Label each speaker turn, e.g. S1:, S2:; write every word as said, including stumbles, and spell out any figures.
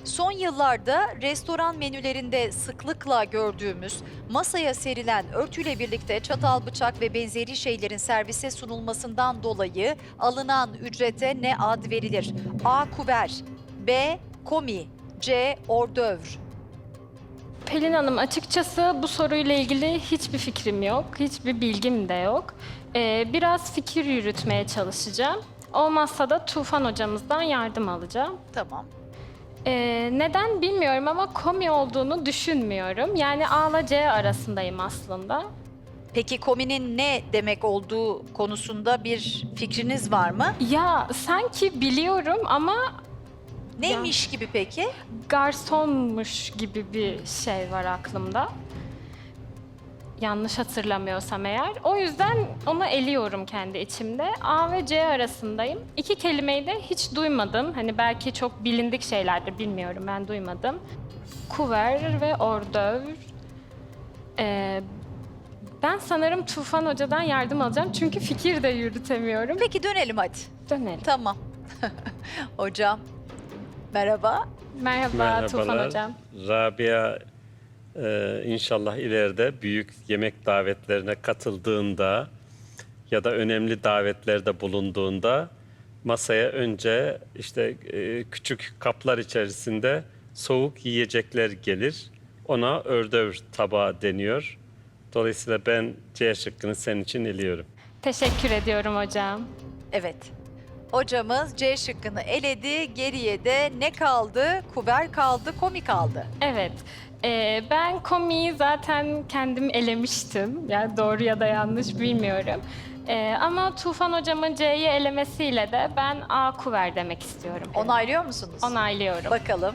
S1: Son yıllarda restoran menülerinde sıklıkla gördüğümüz masaya serilen örtüyle birlikte çatal, bıçak ve benzeri şeylerin servise sunulmasından dolayı alınan ücrete ne ad verilir? A. Kuver, B. Komi, C. Ordövr.
S2: Pelin Hanım, açıkçası bu soruyla ilgili hiçbir fikrim yok, hiçbir bilgim de yok. Ee, biraz fikir yürütmeye çalışacağım. Olmazsa da Tufan hocamızdan yardım alacağım.
S1: Tamam.
S2: Ee, neden bilmiyorum ama komi olduğunu düşünmüyorum. Yani A ile C arasındayım aslında.
S1: Peki kominin ne demek olduğu konusunda bir fikriniz var mı?
S2: Ya sanki biliyorum ama
S1: Neymiş gibi peki?
S2: garsonmuş gibi bir şey var aklımda. Yanlış hatırlamıyorsam eğer. O yüzden onu eliyorum kendi içimde. A ve C arasındayım. İki kelimeyi de hiç duymadım. Hani belki çok bilindik şeylerdir, bilmiyorum, ben duymadım. Kuver ve ordövr. Ee, ben sanırım Tufan Hoca'dan yardım alacağım. Çünkü fikir de yürütemiyorum.
S1: Peki dönelim hadi.
S2: Dönelim.
S1: Tamam. Hocam, merhaba.
S2: Merhaba Tufan
S3: Merhabalar.
S2: Hocam.
S3: Rabia e, inşallah ileride büyük yemek davetlerine katıldığında ya da önemli davetlerde bulunduğunda masaya önce işte e, küçük kaplar içerisinde soğuk yiyecekler gelir. Ona ördövr tabağı deniyor. Dolayısıyla ben C şıkkını senin için eliyorum.
S2: Teşekkür ediyorum hocam.
S1: Evet. Hocamız C şıkkını eledi. Geriye de ne kaldı? Kuver kaldı, komi kaldı.
S2: Evet. Ee, ben komiyi zaten kendim elemiştim. Yani doğru ya da yanlış bilmiyorum. Ee, ama Tufan hocamın C'yi elemesiyle de ben A kuver demek istiyorum.
S1: Onaylıyor musunuz?
S2: Onaylıyorum.
S1: Bakalım.